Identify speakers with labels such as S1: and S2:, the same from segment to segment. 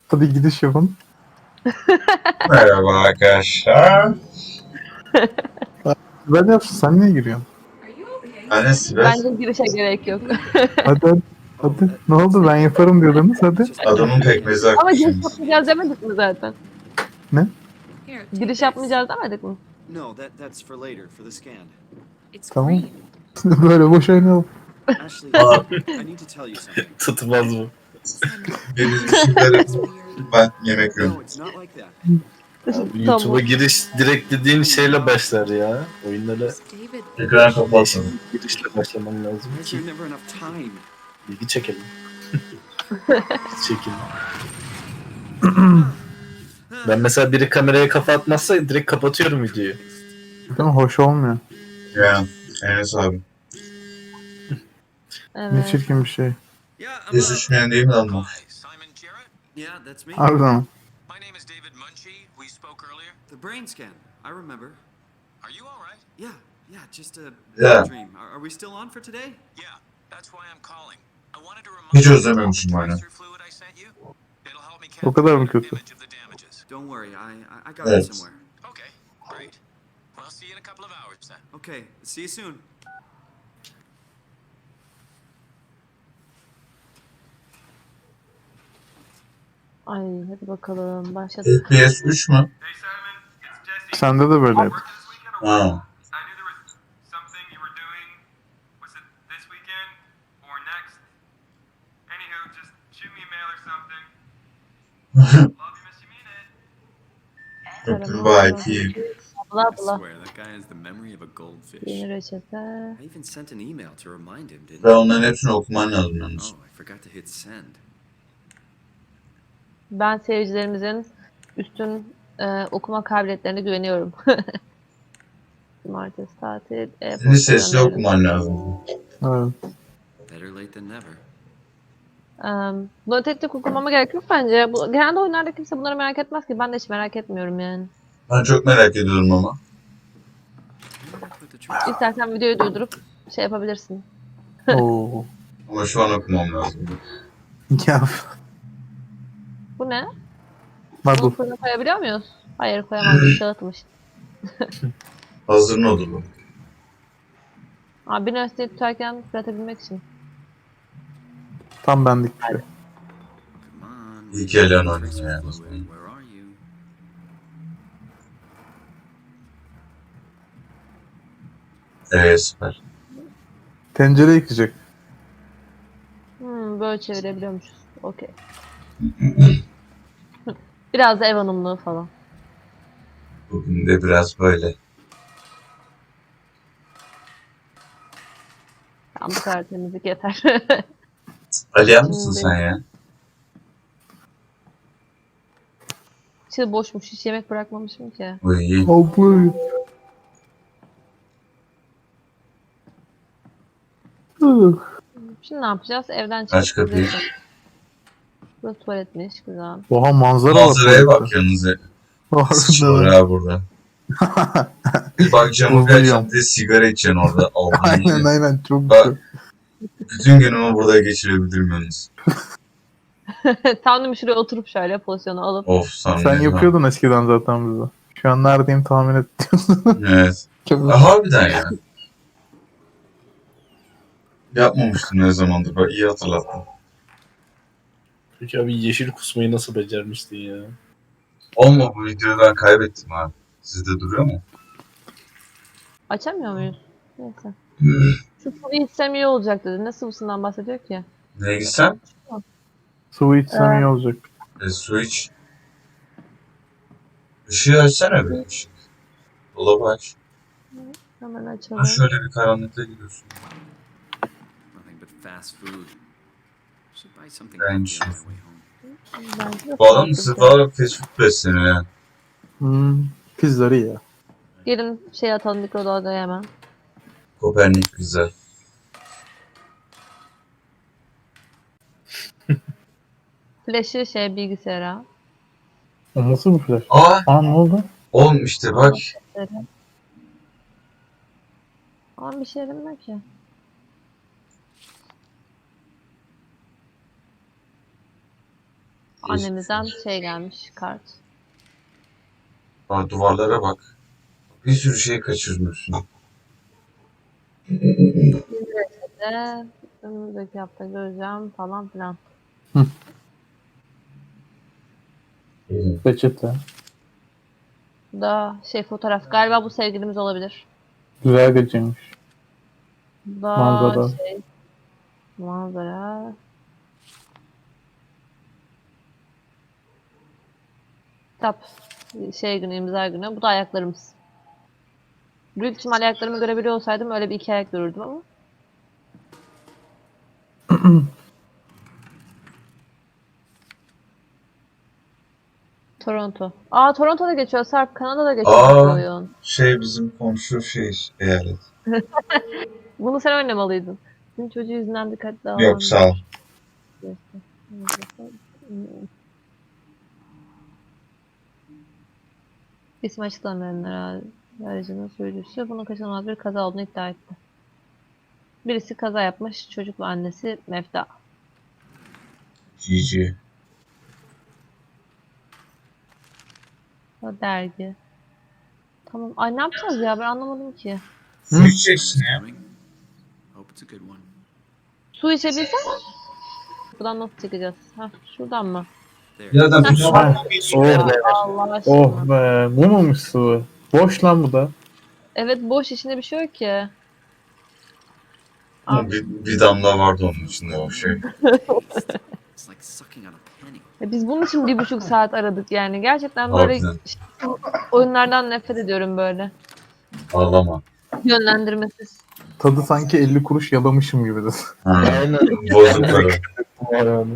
S1: Hadi gidiş yapın.
S2: Merhaba arkadaşlar.
S1: Ben yapsın, sen niye giriyorsun?
S2: Ben de Sibel.
S3: Bence girişe gerek yok.
S1: Hadi. Hadi. Ne oldu, ben yaparım diyordunuz, hadi.
S2: Adamın pekmezi
S3: Ama giriş
S2: akmışsınız.
S3: yapmayacağız demedik mi zaten?
S1: Ne?
S3: Giriş yapmayacağız demedik mi?
S4: No, that's for later, for the scan.
S5: It's
S1: Tamam.
S5: green.
S1: Böyle boş oynayalım.
S4: Ashley, I need to tell you something.
S6: Tutmaz mı?
S2: Beni düşündürün.
S5: It's weird.
S2: Ben yemek yiyorum.
S4: No, it's not like that.
S6: YouTube'a
S3: Tamam.
S6: giriş direkt dediğin şeyle başlar ya. Oyunlara
S5: David.
S2: Ekran kapatsın.
S6: girişle başlaman lazım
S4: Why is
S6: ki
S4: there never enough time?
S6: bilgi çekelim. Çekelim. Ben mesela biri kameraya kafa atmazsa direkt kapatıyorum videoyu.
S1: Değil mi? Hoş olmuyor.
S2: Yani Enes abi.
S1: Ne
S3: Evet.
S1: çirkin bir şey.
S4: Yeah,
S2: Hiç düşmeyen değil mi lan bu?
S7: Hi, Simon Jarrett.
S4: Yeah, that's me.
S1: Harbiden.
S7: My name is David Munchie. We spoke earlier.
S4: The brain scan. I remember.
S7: Are you all right?
S4: Yeah, just a
S2: Yeah.
S4: dream. Are we still on for today?
S7: Yeah, that's why I'm calling. I wanted to remind
S2: Hiç
S7: you
S2: özlememişim
S7: about the
S2: aynen.
S7: tracer fluid I sent you. It'll help me
S1: O kadar mı
S7: capture
S1: kötü?
S7: an image of the damages.
S4: Don't worry, I got
S2: Evet.
S4: it somewhere.
S7: Okay, great. Well, see you in a couple of hours then.
S4: Okay, see you soon.
S3: Ay hadi bakalım başladık.
S2: FPS 3 mü?
S1: Sende de böyle yap.
S2: Ha.
S8: I knew there was something you were doing. Was it this weekend or next? Anywho, just shoot me a mail or something. Love you, miss you, mean it.
S2: VIP.
S3: Bla
S4: I
S3: bla.
S4: swear, that guy has the memory of a goldfish.
S3: Yeni reçete.
S4: I even sent an email to remind him, didn't
S2: Ve
S4: I?
S2: onların hepsini okuman lazım yalnız.
S4: Oh, I forgot to hit send.
S3: Ben seyircilerimizin üstün okuma kabiliyetlerine güveniyorum. Cumartesi tatil.
S2: Şimdi sesli okuman lazım.
S1: Evet.
S4: Better late than never.
S3: Bunu tek tek okumama gerek yok bence. Genelde oyunlarda kimse bunları merak etmez ki. Ben de hiç merak etmiyorum yani.
S2: Ben çok merak ediyorum ama.
S4: Where did I put the tracer?
S3: İstersen videoyu durdurup şey yapabilirsin.
S1: Oo.
S2: Ama şu an okumam lazım.
S1: Ya.
S3: Bu ne?
S1: Hadi.
S3: Bunu fırına koyabiliyor muyuz? Hayır koyamazdık. Dağıtmış.
S2: Hazır nodulu.
S3: Abi bir nesneyi tutarken fırlatabilmek için.
S1: Tam bendik bir şey.
S4: Come on.
S2: İyi ki Elen
S4: Tracer
S2: oynuyor ya.
S4: fluid, where are you?
S2: Süper.
S1: Tencere yıkayacak.
S3: Böyle çevirebiliyormuşuz. Okey. Biraz da ev hanımlığı falan.
S2: Bugün de biraz böyle.
S3: Tam bu kadar temizlik yeter.
S2: Aliyen mısın sen ya?
S3: İçi boşmuş. Hiç yemek bırakmamışım ki.
S2: Uy.
S1: Abla.
S3: Şimdi ne yapacağız? Evden
S2: Aç
S3: çıkıp
S2: kapıyı.
S3: gideceğiz. Burası tuvaletmiş. Güzel.
S1: Oha, manzara
S2: Manzaraya
S1: var.
S2: bak yalnız.
S1: Harbiden.
S2: Sıçıyor ha burada. Bak camı bir
S1: Uzayıyorum.
S2: açacağım diye sigara içeceksin orada.
S1: Aynen
S2: Allah'ım.
S1: aynen, çok
S2: Bak.
S1: güzel.
S2: Bütün günümü burada geçirebilirim yalnız.
S3: Tam da şuraya oturup şöyle pozisyonu alıp.
S2: Of sana
S1: Sen
S2: ne
S1: yapıyordun eskiden zaten bize. Şu an neredeyim tahmin et diyorsun.
S2: lan. Evet.
S1: Çok
S2: Harbiden ya. Yapmamıştım ne zamandır. Bak iyi hatırlattın.
S6: Peki abi yeşil kusmayı nasıl becermiştin ya?
S2: Olma, bu videoyu ben kaybettim abi. Sizde duruyor mu?
S3: Açamıyor muyuz? Neyse. Şu sıvı içsem iyi olacak dedi. Ne sıvısından bahsediyor ki?
S2: Neye gitsem?
S1: Sıvı içsem iyi olacak.
S2: Su iç. Işığı açsana bir ışık. Dolabı aç.
S3: Hemen
S2: Ha
S3: açalım.
S2: şöyle bir karanlıkta gidiyorsun.
S4: Nothing but fast food. Should buy something
S2: Ben
S4: healthy
S2: şu-
S4: on my way home.
S3: Bence de
S2: Bu adam
S3: farklı
S2: sırf
S3: bir şey.
S2: olarak fast food besleniyor ya.
S1: Pizzacı ya.
S3: Gelin şey atalım mikrodalgaya hemen.
S2: Kopernik güzel.
S3: Flash'ı şey bilgisayara.
S1: O nasıl bir flash?
S2: Aa,
S1: Ne oldu?
S2: oğlum işte bak.
S3: Ama bir şey yaramıyor ki. Annemizden şey gelmiş, kart.
S2: Aa, duvarlara bak. Bir sürü şey kaçırmıyorsun.
S3: De önümüzdeki hafta göreceğim falan filan.
S1: Peçete.
S3: Bu da şey fotoğraf. Galiba bu sevgilimiz olabilir.
S1: Güzel geceymiş.
S3: Bu da
S1: Manzara.
S3: şey manzara. Kitap. Şey günü, imza günü. Bu da ayaklarımız. Büyük ihtimal ayaklarımı görebiliyor olsaydım öyle bir iki ayak görürdüm ama. Toronto. Aa, Toronto'da geçiyor Sarp. Kanada'da geçiyor bu
S2: Aa,
S3: oyun.
S2: şey bizim komşu şey eyalet.
S3: Bunu sen oynamalıydın. Senin çocuğu yüzünden dikkatli
S2: Yok
S3: davranmış.
S2: sağ ol.
S3: İsmi açıklamayanlar aracının sürücüsü bunun kaçınılmaz bir kaza olduğunu iddia etti. Birisi kaza yapmış, çocuk ve annesi Mefta.
S2: GG.
S3: O dergi. Tamam. Ay ne yapacağız ya? Ben anlamadım ki.
S2: Su içeceksin ya.
S4: Coming. Hope it's a good one.
S3: Su içebilsem? Buradan nasıl çıkacağız? Heh, şuradan mı?
S4: There.
S2: Ya da bir
S1: Oh,
S3: Allah aşkına.
S1: oh be. Bu muymuş sıvı? Boş lan bu da.
S3: Evet boş içinde bir şey yok ki. Aa,
S2: bir damla vardı onun içinde o şey.
S4: It's like sucking on a penny.
S3: biz bunun için 1,5 saat aradık yani. Gerçekten böyle
S2: Harbiden.
S3: oyunlardan nefret ediyorum böyle.
S2: Ağlama.
S3: Yönlendirmesiz.
S1: Tadı sanki 50 kuruş yalamışım gibi de.
S2: Ha,
S6: Aynen.
S2: bozuk para.
S1: Yani.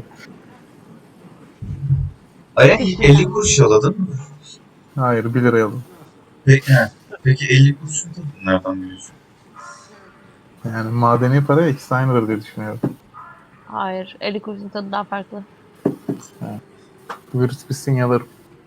S2: Ay 50 kuruş yaladın mı?
S1: Hayır 1 liraya alın.
S2: Peki 50 kuruşun da nereden biliyorsun?
S1: Yani madeni para ikisi aynıdır diye düşünüyorum.
S3: Hayır. 50 kuruşun tadı daha farklı.
S1: Virüs bitsin yalarım.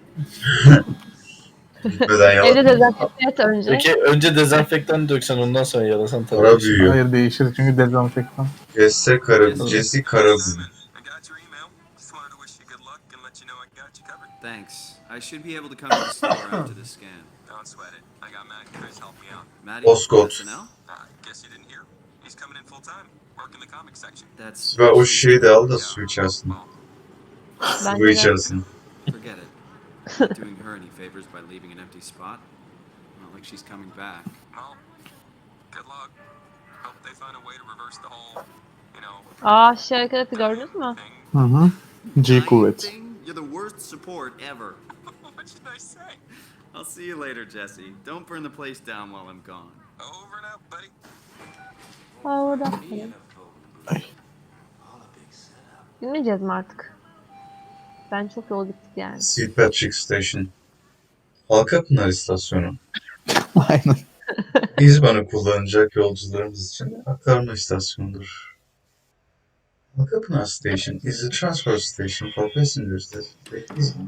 S2: Gitmeden
S3: Evde
S2: yaladın.
S3: dezenfekte et önce.
S6: Peki önce dezenfektan döksen ondan sonra yalasan tabii.
S2: Para büyüyor.
S1: Hayır değişir çünkü dezenfektan.
S2: Jesse Karabu.
S4: Jesse
S2: Karabu.
S8: Simon, I got your email. Just wanted to wish you good luck and let you know I got you covered.
S4: Thanks. I should be able to come to the store after the scan.
S8: Don't sweat it. I got Matt and Chris help me out.
S4: Maddie,
S2: Oscott.
S4: SNL?
S8: Guess you didn't hear? He's coming in full time, working the comic section.
S4: That's
S2: Ve o şeyi de al da su içersin.
S8: Well,
S2: Su
S3: Bence de.
S2: içersin.
S4: forget it. Not doing her any favors by leaving an empty spot. Not like she's coming back.
S8: well, good luck. Hope they find a way to reverse the whole,
S3: Aa şey hareketi gördünüz mü?
S8: thing.
S1: Hı hı. G
S4: Dying
S1: kuvvet.
S4: thing? You're the worst support ever.
S8: What should I say?
S4: I'll see you later, Jesse. Don't burn the place down while I'm gone.
S8: Over and out, buddy.
S3: Aa orada.
S1: Ay.
S3: Bilmeyeceğiz mi artık? Ben çok yol gittik yani.
S2: St. Patrick Station. Halkapınar istasyonu.
S1: Aynen.
S2: İzban'ı kullanacak yolcularımız için aktarma istasyonudur. Halkapınar Station is a transfer station for passengers that take İzban.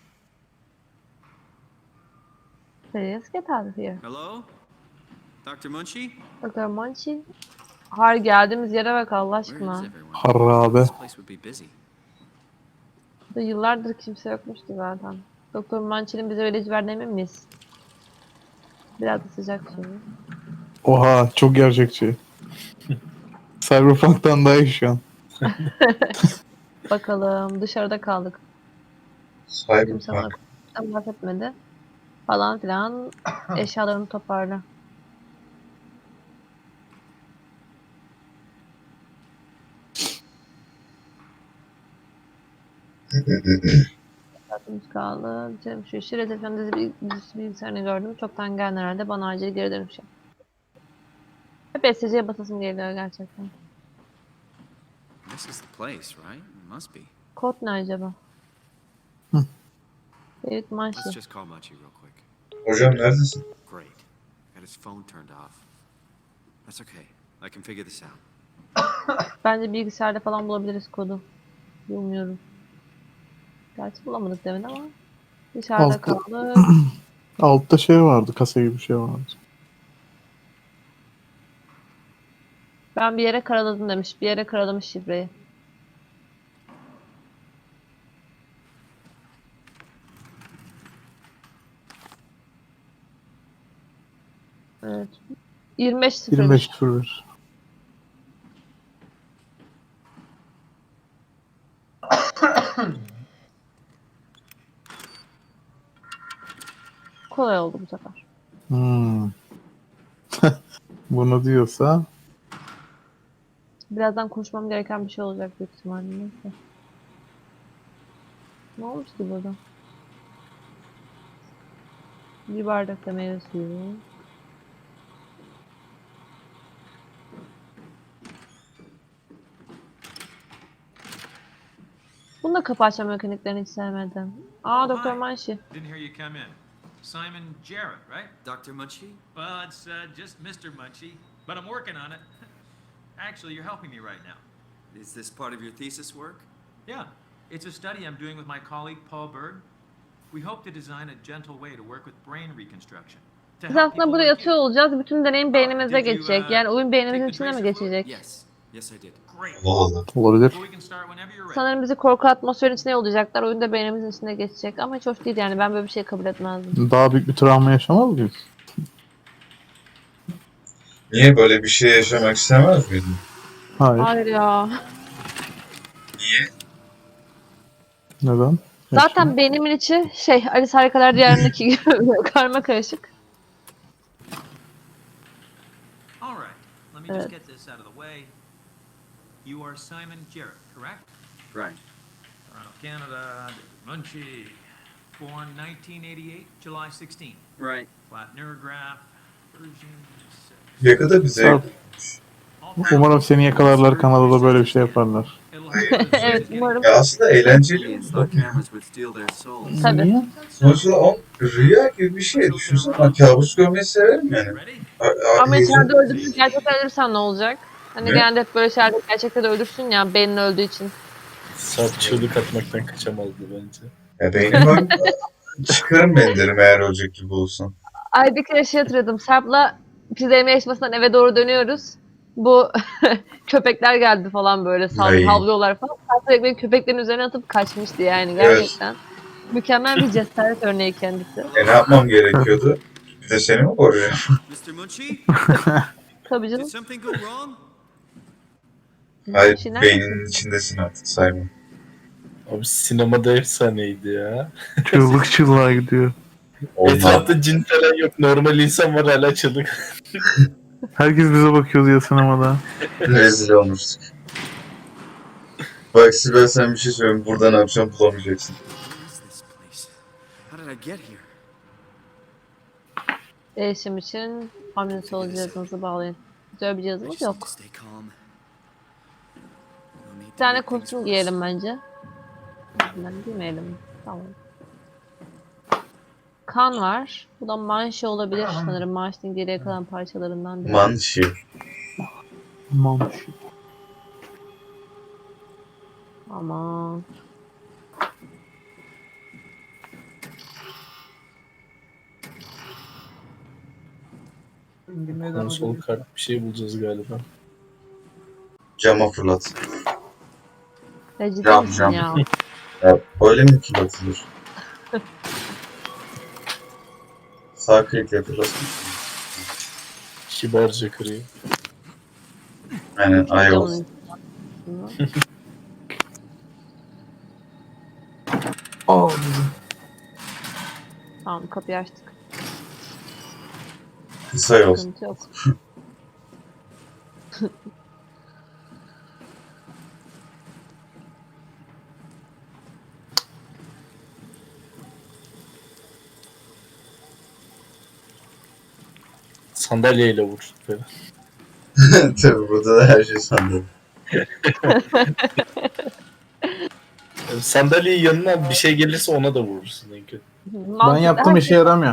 S3: Please get out of here.
S4: Hello? Dr. Munchie?
S3: Dr. Munchie. Hayır geldiğimiz yere bak Allah
S4: Where is
S3: aşkına.
S4: everyone?
S1: Harabe.
S4: This place would be busy.
S3: Burada yıllardır kimse yokmuştu zaten. Doktor Munchie'nin bize öyle verdiğine emin miyiz? Biraz da sıcak şimdi.
S1: Oha çok gerçekçi. Cyberpunk'tan daha iyi şu an.
S3: Bakalım dışarıda kaldık. Kimse bana
S2: Cyberpunk.
S3: bahsetmedi. Falan filan eşyalarını toparla. Saatimiz kaldı. Canım şu işi rezervasyon dizisi bilgisayarını gördüm. Çoktan gelen herhalde bana acil geri dönüş yap. Hep SC'ye basasım geliyor gerçekten.
S4: This is the place, right? It must be.
S3: Kod ne acaba? David Munchie.
S4: Let's just call Munchie real quick.
S2: Hocam neredesin?
S4: Great. Got his phone turned off. That's okay. I can figure this out.
S3: Bence bilgisayarda falan bulabiliriz kodu. Bilmiyorum. Gerçi bulamadık demin ama. Dışarıda
S1: Altta.
S3: kaldık.
S1: Altta şey vardı. Kasa gibi bir şey vardı.
S3: Ben bir yere karaladım demiş. Bir yere karalamış şifreyi. Evet. 25-0.
S1: 25-01.
S3: Kolay oldu bu sefer.
S1: Hmm. Bunu diyorsa
S3: Birazdan konuşmam gereken bir şey olacak büyük ihtimalle. Neyse. Ne olmuş ki burada? Bir bardak da meyve suyu. Bunu da kapı açma mekaniklerini hiç sevmedim. Aa, Doktor Manşi.
S7: Didn't hear you come in. Simon Jarrett, right?
S4: Dr. Munchie?
S7: Well, it's just Mr. Munchie, but I'm working on it. Actually, you're helping me right now.
S4: Is this part of your thesis work?
S7: Yeah, it's a study I'm doing with my colleague Paul Berg. We hope to design a gentle way to work with brain reconstruction. To
S3: Biz
S7: help
S3: aslında
S7: people
S3: burada
S7: like
S3: yatıyor
S7: you.
S3: olacağız. Bütün deneyim beynimize
S7: Did you,
S3: geçecek. Yani oyun beynimizin
S7: take the
S3: içine mi
S7: tracer fluid?
S3: geçecek?
S4: Yes. Yes, I did.
S7: Great.
S2: Allah Allah.
S1: olabilir.
S7: So we can start whenever you're ready.
S3: Sanırım bizi korku atmosferin içine yollayacaklar. Oyun da beynimizin içine geçecek. Ama hiç hoş değil yani. Ben böyle bir şey kabul etmezdim.
S1: Daha büyük bir travma yaşamaz mıyız?
S2: Niye böyle bir şey yaşamak istemez miydin?
S1: Hayır.
S3: Hayır ya.
S2: Niye?
S1: Neden?
S3: Zaten beynimin içi Alice Harikalar Diyarı'ndaki gibi karma karışık.
S7: All right, let me just
S3: Evet.
S7: get this out of the way. You are Simon Jarrett, correct?
S4: Right.
S7: Toronto, Canada, Munchie. Born 1988, July 16.
S4: Right.
S7: Flat neurograph, version 6.
S2: Yakada bize
S1: Umarım seni yakalarlar, Kanada'da böyle bir şey yaparlar.
S3: Evet, umarım.
S2: ya aslında eğlenceli
S4: Aliens
S2: bir
S4: thought
S2: bak.
S4: cameras would steal their souls.
S3: Tabii.
S1: Niye?
S2: Sonuçta o rüya gibi bir şey. Düşünsene ben kabus görmeyi severim yani.
S7: Ready?
S3: Ama
S2: Heyecan-
S3: içeride öldürürsün, gerçekten ölürsen ne olacak? Hani
S2: Ne?
S3: genelde hep böyle şeylerde gerçekten de ölürsün ya, beynin öldüğü için.
S6: Sarp çığlık atmaktan kaçamazdı bence.
S2: Ya beynim var. Çıkarım ben derim eğer ölecek gibi olsam.
S3: Ay, bir kere hatırladım. Sarp'la pizza yeme yarışmasından eve doğru dönüyoruz. Bu köpekler geldi falan böyle
S2: Ay.
S3: havlıyorlar falan. Sarp direkt beni köpeklerin üzerine atıp kaçmıştı yani gerçekten. Mükemmel bir cesaret örneği kendisi.
S2: Ne yapmam gerekiyordu? Bir de seni mi koruyacağım?
S4: Mr. Munchie?
S3: Tabii
S4: Did
S3: canım.
S4: something go wrong?
S2: Hayır,
S3: Şeyler-
S2: beyninin içindesin artık Simon.
S6: Abi sinemada efsaneydi ya.
S1: Çığlık çığlığa gidiyor.
S2: Olmaz.
S6: Etrafta cin falan yok. Normal insan var hala çığlık.
S1: Herkes bize bakıyordu ya sinemada.
S2: Rezil olmuştuk. Bak Sibel sen bir şey söyleyeyim. Burada ne yapacağım bulamayacaksın.
S4: What is this place? How did I get here?
S3: Değişim için hamle cihazınızı bağlayın. Güzel bir
S4: I
S3: cihazımız
S4: just need to
S3: yok.
S4: stay calm. No need
S3: Bir
S4: to
S3: tane
S4: make things
S3: kostüm
S4: worse.
S3: giyelim bence. Ben giymeyelim. Tamam. Kan var. Bu da manşe olabilir sanırım. Manşenin geriye kalan parçalarından biri.
S2: Manşi.
S1: Mamuş.
S3: Aman.
S6: Konsol kart bir şey bulacağız galiba.
S2: Cama fırlat.
S3: Ya ciddi
S2: Cam,
S3: misin
S2: cam.
S3: ya?
S2: Ya öyle mi fırlatılır? Sağ klikle fırlatın.
S6: Kibarca kırıyor.
S2: Aynen iOS.
S3: Camın üstüne.
S1: Aa,
S3: Tamam, kapıyı açtık.
S2: Kısa yol.
S3: Sıkıntı yok.
S6: Sandalyeyle vur. Böyle.
S2: Tabii burada da her şey sandım.
S6: Yani sandalyeyi yanına bir şey gelirse ona da vurursun en kötü.
S1: ben yaptım, işe yaramıyor.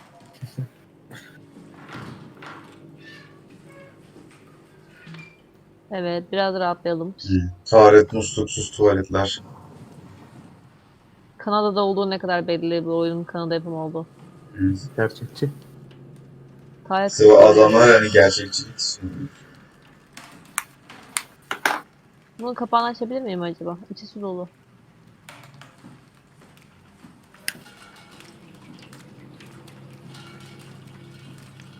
S3: Evet, biraz rahatlayalım.
S2: Taharet musluksuz tuvaletler.
S3: Kanada'da olduğu ne kadar belli, bu oyunun Kanada yapımı olduğu.
S1: Gerçekçi.
S3: Gayet
S2: Sıvı adamlar hani gerçekçilik istiyor.
S3: Bunun kapağını açabilir miyim acaba? İçi su dolu.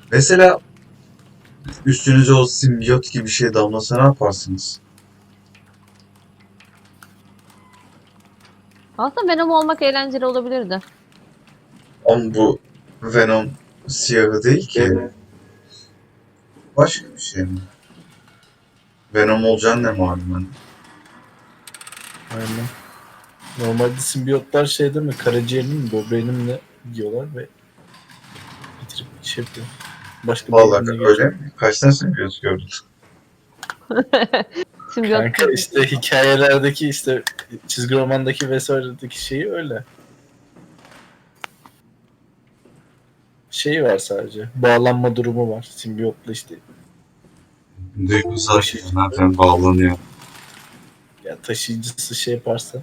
S2: Mesela üstünüze o simbiyot gibi bir şey damlasa ne yaparsınız?
S3: Aslında Venom olmak eğlenceli olabilirdi.
S2: Ama bu Venom siyahı değil ki. Başka bir şey mi? Venom olacağını ne malum hani?
S6: Aynen. Normalde simbiyotlar şey değil mi? Karaciğerini mi, böbreğini mi ne yiyorlar ve bitirip şey yapıyor. Başka bir
S2: Vallahi
S6: yerine
S2: öyle
S6: geçiyor.
S2: mi? Kaç tane simbiyot gördün?
S3: Simbiyot.
S6: Kanka işte hikayelerdeki işte çizgi romandaki vesairedeki şeyi öyle. Şeyi var sadece. Bağlanma durumu var. Simbiyotla işte
S2: Duygusal şey zaten bağlanıyor.
S6: ya taşıyıcısı şey yaparsa.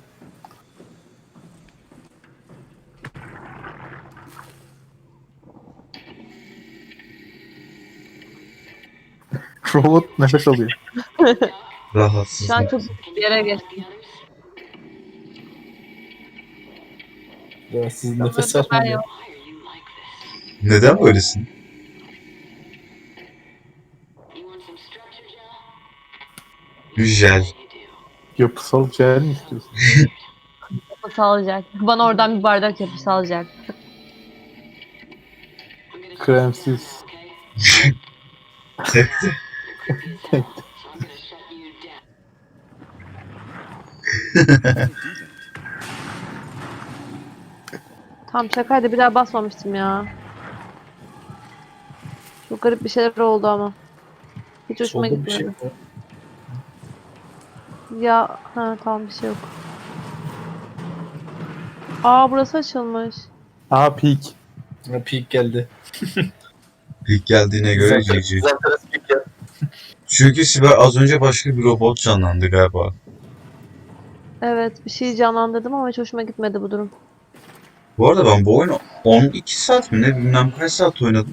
S1: Robot nefes alıyor.
S2: Rahatsız.
S3: Şu an çok bir yere geçtim.
S6: Rahatsız nefes
S3: Çok ben
S6: almıyor.
S3: yok.
S2: Neden böylesin? Jel.
S1: Yapısal cehel mi istiyorsun?
S3: Sağlayacak. Bana oradan bir bardak yapıp sağlayacak.
S1: Kremsiz.
S2: Tekti.
S3: Tam şakaydı, bir daha basmamıştım ya. Çok garip bir şeyler oldu ama. Hiç hoşuma
S6: Solda bir şey
S3: gitmedi.
S6: var.
S3: Ya ha tamam, bir şey yok. Aa, burası açılmış.
S1: Aa peak.
S6: Ha, peak geldi.
S2: İlk geldiğine göre GG.
S6: Zaten peak geldi.
S2: Çünkü Sibel az önce başka bir robot canlandı galiba.
S3: Evet, bir şey canlandırdım ama hiç hoşuma gitmedi bu durum.
S2: Bu arada ben bu oyunu 12 saat mi ne bilmem kaç saat oynadım.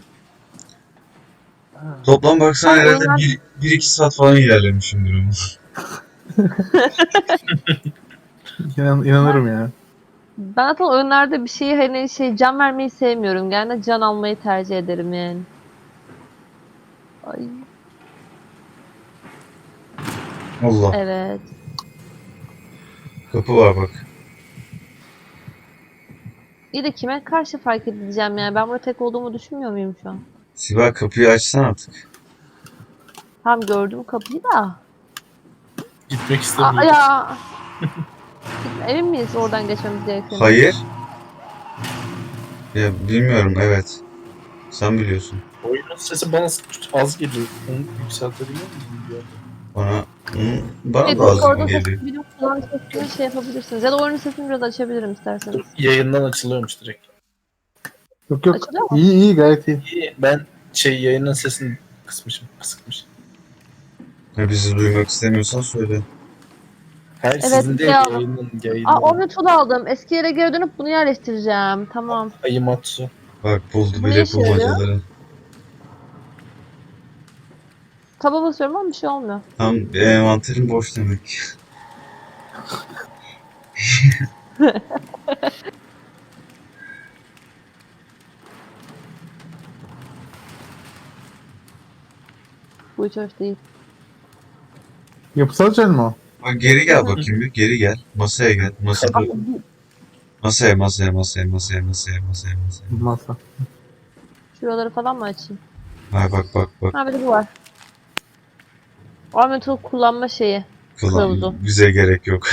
S2: Toplam baksan
S3: Ben
S2: herhalde
S3: oyunlar-
S2: 1-2 saat falan ilerlemişimdir ama.
S1: İnanırım ya.
S3: Ben zaten oyunlarda bir şeyi hani can vermeyi sevmiyorum. Genelde can almayı tercih ederim yani. Ay,
S2: Allah.
S3: evet.
S2: Kapı var bak.
S3: İyi de kime karşı fark edeceğim yani? Ben burada tek olduğumu düşünmüyor muyum şu an?
S2: Sibel kapıyı açsan artık.
S3: Tam gördüm kapıyı da.
S6: Gitmek
S3: Aa,
S6: istemiyor.
S3: ya. Emin miyiz oradan geçmemiz gerektiğini?
S2: Hayır. Ya bilmiyorum evet. Sen biliyorsun.
S6: Oyunun sesi bana az geliyor. Onu yükseltebiliyor muyum? Bilmiyorum.
S2: Bana
S3: Evet,
S2: da az
S3: orada
S2: geliyor.
S3: sesini bilip kulağın sesini şey yapabilirsiniz. Ya da oyunun sesini biraz açabilirim isterseniz.
S6: Dur, yayından açılıyormuş direkt.
S1: Yok yok.
S3: Açılıyor mu?
S1: İyi iyi gayet iyi.
S6: İyi, ben yayının sesini kısmışım. Kısıkmış.
S2: Ya bizi duymak istemiyorsan söyle.
S6: Hayır
S3: Evet,
S6: sizin değil
S3: ya.
S6: yayının.
S3: Aa, Omnitul aldım. Eski yere geri dönüp bunu yerleştireceğim. Tamam.
S6: Ayımatsu.
S2: Bak buldu
S3: Bu ne
S2: bile
S3: işe yarıyor?
S2: bulmacaları.
S3: Taba basıyorum ama bir şey olmuyor.
S2: Tam envanterin boş demek.
S3: Bu hiç hoş değil.
S1: Yapısal cehel mi o?
S2: Bak geri gel bakayım bir. Geri gel. Masaya gel. Masada. Masaya.
S1: Masa.
S3: Şuraları falan mı açayım?
S2: Ha bak.
S3: Ha, bir de bu var. Omnitul kullanma şeyi.
S2: Kılan.
S3: Kılavuzu.
S2: Bize gerek yok.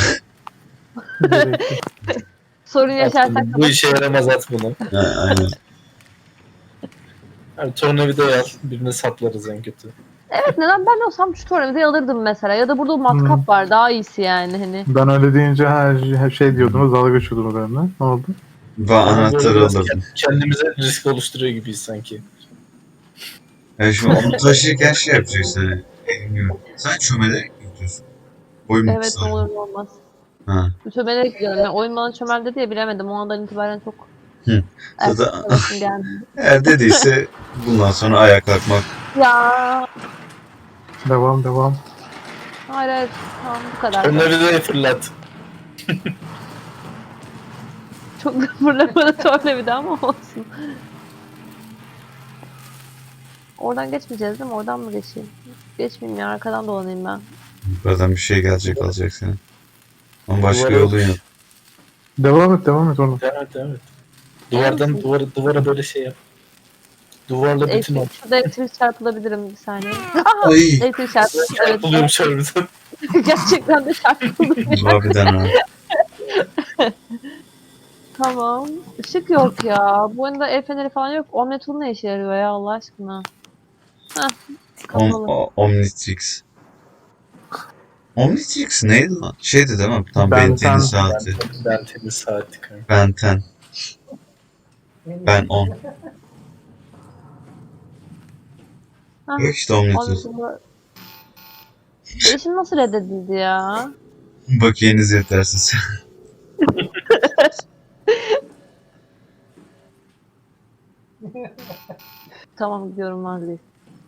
S3: Sorun yaşarsak
S6: At bunu, bu işe yaramaz at bunu.
S2: Ha, aynen.
S6: Abi tornavidayı al. Birine saplarız en kötü.
S3: evet, neden ben olsam şu tornavidayı alırdım mesela. Ya da burada matkap var, daha iyisi yani hani.
S1: Ben öyle deyince her şey diyordunuz, dalga geçiyordunuz benimle. Ne oldu?
S2: Ben
S6: Ama böyle
S2: anahtarı
S6: biraz
S2: alırdım.
S6: Kendimize risk oluşturuyor gibiyiz sanki.
S2: Yani şimdi onu taşırken şey yapacaksın. Hani, bilmiyorum. Sen çömelerek mi gidiyorsun? Boy mu
S3: Evet,
S2: kısa?
S3: ne olur ne olmaz.
S2: Ha.
S3: Çömelerek gidiyorum. Yani oyun bana çömel dedi ya, bilemedim. O andan itibaren çok
S2: Hı.
S3: erkek
S2: Zaten-
S3: sevesim geldi.
S2: Eğer dediyse bundan sonra ayağa kalkmak.
S3: Ya
S1: Devam.
S3: hayır hayır, tamam, bu kadar.
S6: Tornavidayı fırlat.
S3: Çok fırlamadı tornavida ama olsun. Oradan geçmeyeceğiz değil mi? Oradan mı geçeyim? Geçmeyeyim ya, arkadan dolanayım ben.
S2: Yukarıdan bir şey gelecek alacak seni. Ama başka
S6: Duvara
S2: yolu yok.
S6: yapış.
S1: Devam et oğlum.
S6: Evet evet. Duvardan
S3: misin?
S6: duvara böyle şey yap. Duvarla bütün ol.
S3: Şurada elektrik çarpılabilirim bir saniye.
S2: Ay.
S3: Elektrik çarpıldı. Evet.
S6: Buluyormuş harbiden.
S3: Gerçekten de çarpıldı.
S2: Harbiden ha.
S3: Tamam. Işık yok ya. Bu oyunda el feneri falan yok. Omnitul ne işe yarıyor ya Allah aşkına? Heh. Kapalı.
S2: Omnitrix. Omnitrix neydi lan? Şeydi değil mi? Tam
S1: Ben
S2: Ben 10'in
S1: ten.
S2: saati.
S6: Ben temiz saati kanka.
S2: Ben 10. Ben 10.
S3: Heh.
S2: Yok işte Omnitrix.
S3: Omnitul'da... Değişim nasıl reddedildi ya?
S2: Bakiyeniz yetersiz.
S3: Tamam gidiyorum vazgeç.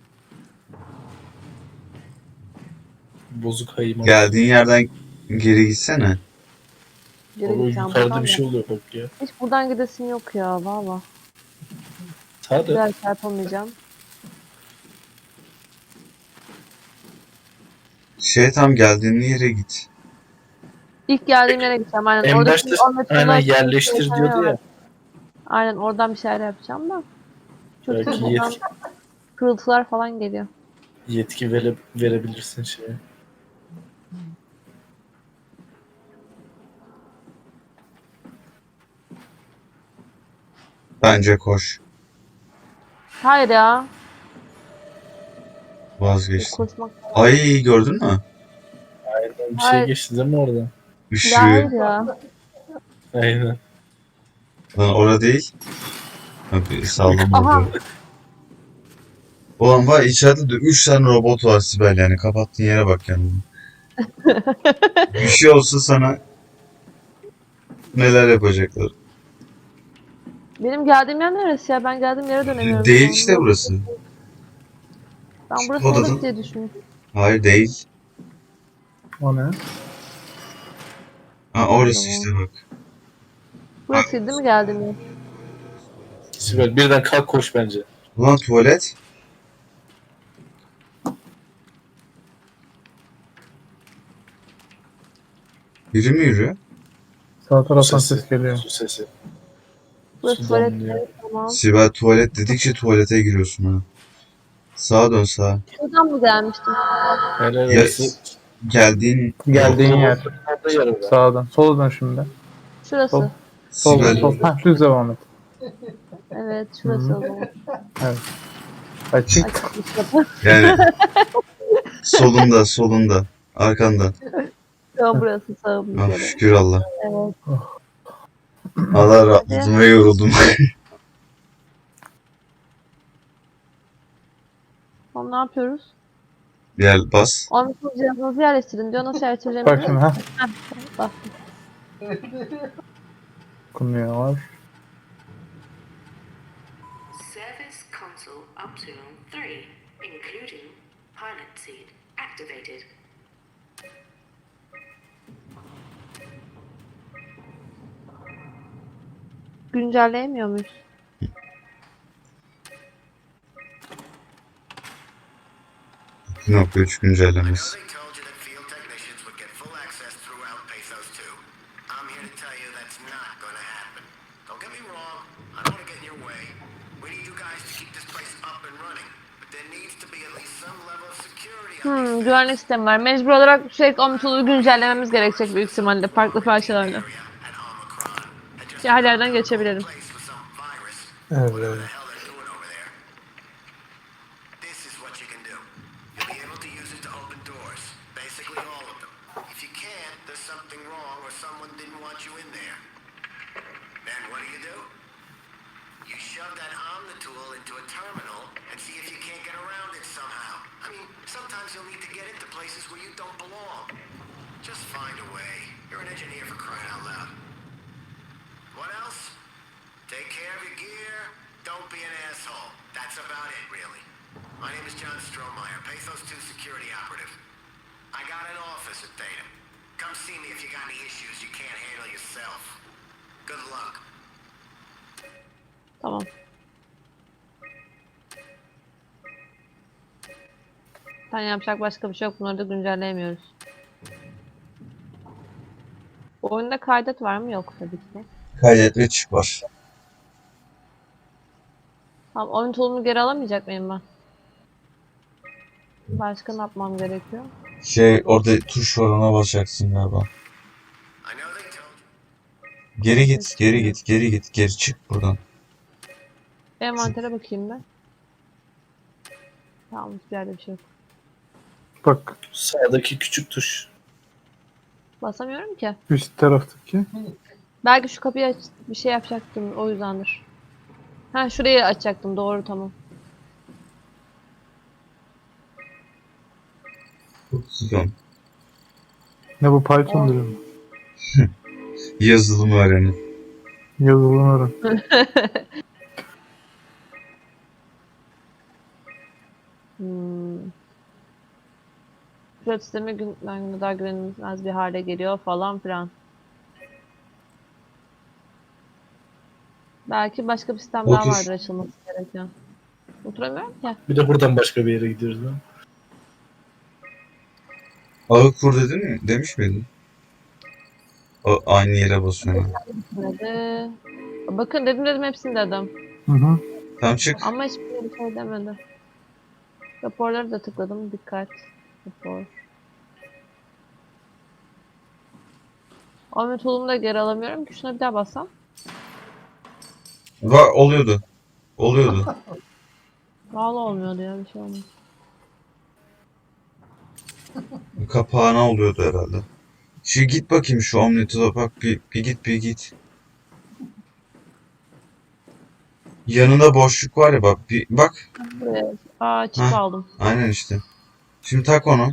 S6: Bozuk hayım.
S2: Geldiğin yerden geri gitsene.
S3: Geri
S6: Oğlum
S3: gideceğim
S6: yukarıda
S3: buradan
S6: bir
S3: da.
S6: şey oluyor bak ya.
S3: Hiç buradan gidesim yok ya valla.
S6: Sağda.
S3: Biraz çarpamayacağım.
S2: Tam geldiğin yere git.
S3: İlk geldiğim yere gideceğim. Aynen.
S6: En
S3: Oradaki
S6: başta
S3: Omnitul'da
S6: aynen
S3: bir şeyler
S6: yerleştir diyordu
S3: var.
S6: ya.
S3: Aynen oradan bir şeyler yapacağım da. Çünkü
S6: Belki
S3: buradan kırıltılar falan geliyor.
S6: yetki verebilirsin şeye.
S2: Bence koş.
S3: Hayır ya.
S2: Vazgeçtim.
S3: Koşmak.
S2: Ay gördün mü?
S6: Aynen bir şey
S3: Hayır.
S6: geçti değil mi oradan?
S3: Ya
S2: Işığı.
S3: hayır ya.
S6: Aynen.
S2: Lan orada değil. Abi sağlam
S3: Aha.
S2: oldu. Ulan var içeride de 3 tane robot var Sibel yani. Kapattığın yere bak kendini. Bir şey olsa sana neler yapacaklar.
S3: Benim geldiğim yer neresi ya? Ben geldiğim yere dönemiyorum.
S2: Değil
S3: şu an.
S2: işte burası.
S3: Ben burası
S2: Odadan-
S3: olur diye düşünmüştüm.
S2: Hayır değil.
S1: O ne?
S2: Ha orası işte bak.
S3: Burası değil mi geldiğim yer?
S6: Sibel birden kalk koş bence.
S2: Ulan tuvalet. Biri mi yürüyor?
S1: Sağ taraftan
S6: Sesi.
S1: ses geliyor.
S6: Su sesi.
S3: Burası
S6: Su
S3: tuvalet
S6: damlıyor.
S3: yeri, tamam.
S2: Sibel tuvalet dedikçe tuvalete giriyorsun ha. Sağa dön sağa.
S3: Buradan mı gelmiştim?
S6: Helal
S2: Ya,
S6: olsun.
S2: geldiğin
S1: Geldiğin yer.
S6: Orada yer var.
S1: Sağdan. Sola dön şimdi.
S3: Şurası.
S1: Sol. Sol.
S2: Sibel
S1: Sol. Hah düz devam et.
S3: Evet şurası
S1: Hı.
S3: o zaman.
S1: Açık.
S3: Açıkmış kapı.
S2: yani solunda arkanda.
S3: Tamam burası sağım bir
S2: Ah,
S3: kere.
S2: şükür Allah.
S3: Evet.
S2: Allah rahatladım ve yoruldum.
S3: Tamam ne yapıyoruz?
S2: Gel bas.
S3: Omnitul cihazınızı yerleştirin diyor. Nasıl yerleştireceğimi
S1: Bak şimdi ha.
S3: Bak.
S1: Okunuyor.
S5: Service console Optimum 3, including pilot seat, activated.
S3: Güncelleyemiyor muyuz?
S2: Nokta 3 güncellemesi.
S9: They told you that field technicians would get full access throughout Pathos 2. I'm here to tell you that's not going to happen. Don't get me wrong, I don't want to get in your way. We need you guys to keep this place up and running. But there needs to be at least some level of security on these
S3: Güvenlik sistemi var. Mecbur olarak sürekli Omnitul'u güncellememiz gerekecek büyük ihtimalle farklı parçalarla.
S9: area at Omicron. And just
S3: Ki her yerden geçebilirim.
S9: place with some virus.
S1: Evet.
S9: Whatever the hell they're doing over there. This is what you can do. You'll be able to use it to open doors. Basically all of them. If you can't, there's something wrong or someone didn't want you in there. Then what do? You shove that Omnitool into a terminal and see if you can't get around it somehow. I mean, sometimes you'll need to get into places where you don't belong. Just find a way. You're an engineer for crying out loud. What else? Take care of your gear. Don't be an asshole. That's about it, really. My name is John Strohmeyer, Pathos 2 security operative. I got an office at Theta. Come see me if you got any issues you can't handle yourself. Good luck.
S3: Tamam. Zaten yapacak başka bir şey yok. Bunları da güncelleyemiyoruz. Oyunda kaydet var mı? Yok tabii ki.
S2: Kaydet ve çık var.
S3: Tamam, oyun tool'umu geri alamayacak mıyım ben? Başka ne yapmam gerekiyor?
S2: Orada tuş var, ona basacaksın galiba.
S9: I know they told you.
S2: Geri git, geri git, geri git, geri çık buradan.
S3: Envantere bakayım ben. Tamam, hiçbir yerde bir şey yok.
S1: Bak
S6: Sağdaki küçük tuş.
S3: Basamıyorum ki.
S1: üst taraftaki.
S3: Belki şu kapıyı aç, bir şey yapacaktım, o yüzdendir. Ha, şurayı açacaktım, doğru, tamam.
S2: Güzel.
S1: Ne bu Python dili mi?
S2: Yazılım öğrenin.
S1: Yazılım öğren.
S3: Pilot sistemi günden güne daha güvenilmez bir hale geliyor falan filan. Belki başka bir sistem daha
S2: Otur.
S3: vardır açılması gereken. Oturamıyorum ki.
S6: Bir de buradan başka bir yere gidiyoruz değil mi?
S2: Ağı kur dedin mi? Demiş miydin? Aynı yere basıyorum.
S3: Hadi. Bakın dedim hepsini dedim.
S1: Hı hı.
S2: Tamam çık.
S3: Ama hiçbir bir şey demedi. Raporları da tıkladım. Dikkat. Rapor. Ahmet oğlumu da geri alamıyorum ki. Şuna bir daha bassam.
S2: Oluyordu. Oluyordu.
S3: Vallahi olmuyordu ya, bir şey olmuyor.
S2: Kapağına oluyordu herhalde. Şimdi git bakayım şu Omnitop'a bak, bir git. Yanında boşluk var ya, bak bak.
S3: Buraya. Aa, çip
S2: Heh.
S3: aldım.
S2: Aynen işte. Şimdi tak onu.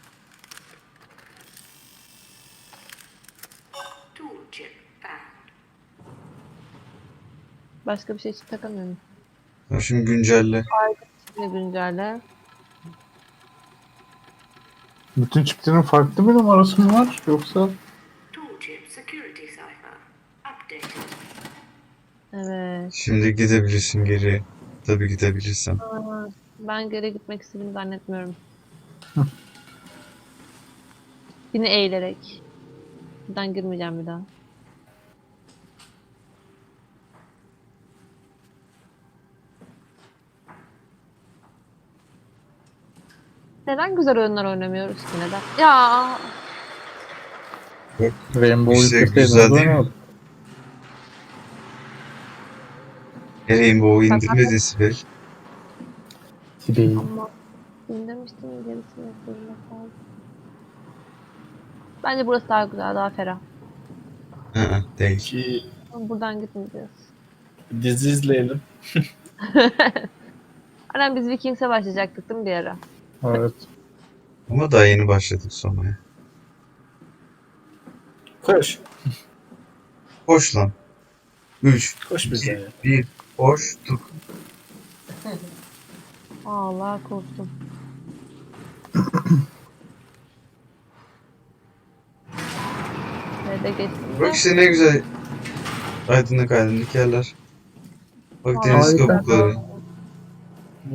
S5: Tool chip found.
S3: Başka bir şey için takamıyorum.
S2: Ya şimdi güncelle.
S3: Şimdi güncelle.
S1: Bütün çiplerin farklı bir numarası mı var yoksa?
S5: Tool chip security cipher. Updated.
S3: Evet.
S2: Şimdi gidebilirsin geri. Tabii gidebilirsen.
S3: Ben geri gitmek istediğimi zannetmiyorum. Yine eğilerek. Buradan girmeyeceğim bir daha. Neden güzel oyunlar oynamıyoruz ki, neden? Ya
S1: Rainbow
S2: İşte
S1: yükleseydin
S2: güzel
S1: o
S2: değil mi?
S1: zaman
S2: Rainbow indirmedin Sibel.
S1: değil.
S3: ama demiştim gerisini yapıyorum. Bence burası daha güzel, daha ferah.
S2: Değil.
S6: Ki
S3: Ama buradan gitmeyeceğiz.
S6: dizi izleyelim.
S3: Aynen, biz Vikings'e başlayacaktık değil mi bir ara?
S1: Evet.
S2: Ama daha yeni başladık sonra.
S6: Koş.
S2: Koş lan. 3,
S6: Koş bize ya.
S2: 1, koştuk.
S3: Allah korktum. Nerede geçtim de?
S2: Bak işte ne güzel aydınlık yerler. Bak deniz
S1: Harika.
S2: kabukları.